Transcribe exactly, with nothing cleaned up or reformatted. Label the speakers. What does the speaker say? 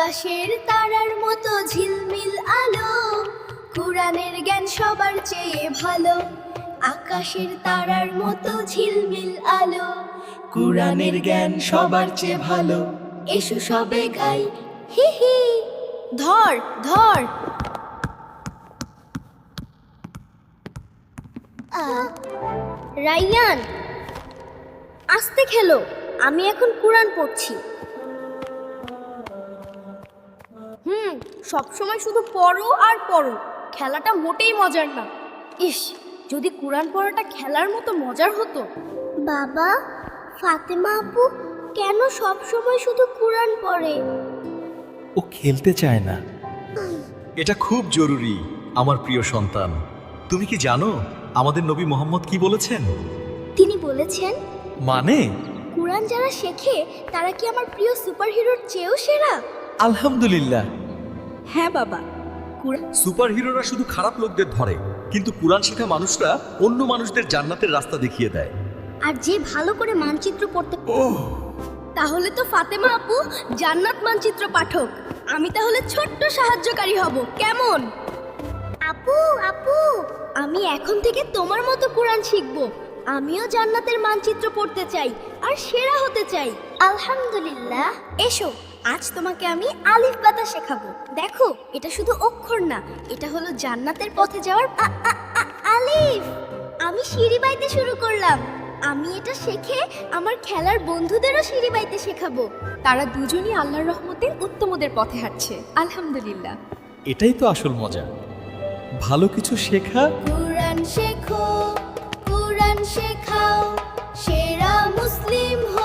Speaker 1: আকাশের তারার মতো ঝিলমিল আলো, কুরআনের জ্ঞান সবার চেয়ে ভালো। আকাশের তারার মতো ঝিলমিল আলো,
Speaker 2: কুরআনের জ্ঞান সবার চেয়ে ভালো।
Speaker 1: এসো সবে গাই হি হি। ধর ধর। আহ, রাইয়ান, আস্তে খেলো, আমি এখন কুরআন পড়ছি। হুম, সব সময় শুধু পড়ো আর পড়ো, খেলাটা মোটেই মজার না। ইস, যদি কুরআন পড়াটা খেলার মতো মজার হতো। বাবা, ফাতেমা আপু কেন সব সময় শুধু কুরআন পড়ে?
Speaker 2: ও খেলতে চায় না।
Speaker 3: এটা খুব জরুরি আমার প্রিয় সন্তান। তুমি কি জানো আমাদের নবী মোহাম্মদ কি বলেছেন?
Speaker 1: তিনি বলেছেন,
Speaker 3: মানে
Speaker 1: কুরআন যারা শেখে তারা কি আমার প্রিয় সুপারহিরোর চেয়েও সেরা?
Speaker 2: আলহামদুলিল্লাহ।
Speaker 1: হ্যাঁ বাবা, কুরআন
Speaker 3: সুপারহিরোরা শুধু খারাপ লোকদের ধরে, কিন্তু কুরআন শেখা মানুষরা অন্য মানুষদের জান্নাতের রাস্তা দেখিয়ে দেয়।
Speaker 1: আর যে ভালো করে মানচিত্র পড়তে, তাহলে তো ফাতেমা আপু জান্নাত মানচিত্র পাঠক। আমি তাহলে ছোট্ট সাহায্যকারী হব, কেমন? আপু আপু, আমি এখন থেকে তোমার মতো কুরআন শিখব। আমিও জান্নাতের মানচিত্র পড়তে চাই আর সেরা হতে চাই। আলহামদুলিল্লাহ। এসো, আজ তোমাকে আমি আলিফ বাতা শেখাবো। দেখো, এটা শুধু অক্ষর না, এটা হলো জান্নাতের পথে যাওয়ার আ- আ- আ- আলিফ। আমি সিঁড়ি বাইতে শুরু করলাম। আমি এটা শিখে আমার খেলার বন্ধুদেরও সিঁড়ি বাইতে শেখাবো।
Speaker 4: তারা দুজনই আল্লাহর রহমতে উত্তমদের পথে হাঁটছে। আলহামদুলিল্লাহ।
Speaker 2: এটাই তো আসল মজা, ভালো কিছু শেখা।
Speaker 1: কুরআন শেখো, কুরআন শেখাও, সেরা মুসলিম হও।